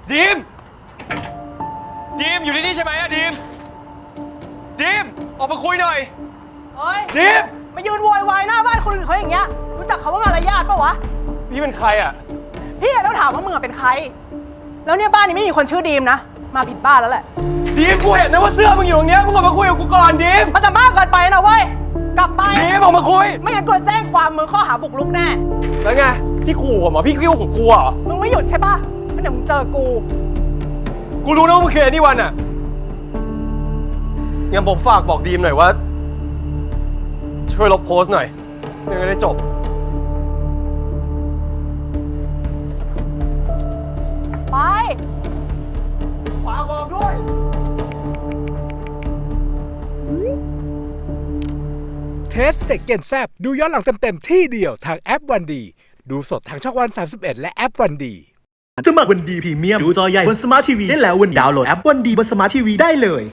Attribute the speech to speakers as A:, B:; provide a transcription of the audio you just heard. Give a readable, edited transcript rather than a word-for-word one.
A: ดีมอยู่ที่นี่ใช่ไหมอะดีมออกมาคุยหน่อย
B: เฮ้ย
A: ดีม
B: มายืนโวยวายหน้าบ้านคนอื่นเขาอย่างเงี้ยรู้จักเขาว่ามารยาทปะวะ
A: พี่เป็นใครอะ
B: พี่ต้องถามว่ามึงเป็นใครแล้วเนี่ยบ้านนี้ไม่มีคนชื่อดีมนะมาผิดบ้านแล้วแหละ
A: ดีมกูเห็นนะว่าเสื้อมึงอยู่ตรงเนี้ยมึงออกมาคุยกับกูก่อนดีม
B: มันจะมากเกินไปนะเว้ยกลับไป
A: ดีมออกมาคุย
B: ไม่งั้นกูจะแจ้งความมึงข้อหาบุกรุกแน่
A: แล้วไงพี่ขู่ผมเหรอพี่กิ้วของกูเหรอ
B: มึงไม่หยุดใช่ปะงั้นเดี๋ยวมึงเจอกู
A: รู้นะว่ามึงคือไอ้นี่วันอะงั้นผมฝากบอกดีมหน่อยว่าช่วยลบโพสต์หน่อยเรื่องจะได้จบ
B: ไป
A: ฝากบอกด้วย
C: เทสเต็กเกนแซบดูย้อนหลังเต็มๆที่เดียวทางแอปวันดีดูสดทางช่องวัน31และแอปวันดี
D: สมัครวันดีพรีเมียมดูจอใหญ่บนสมาร์ททีวีได้แล้ววันนี้ดาวน์โหลดแอปวันดีบนสมาร์ททีวีได้เลย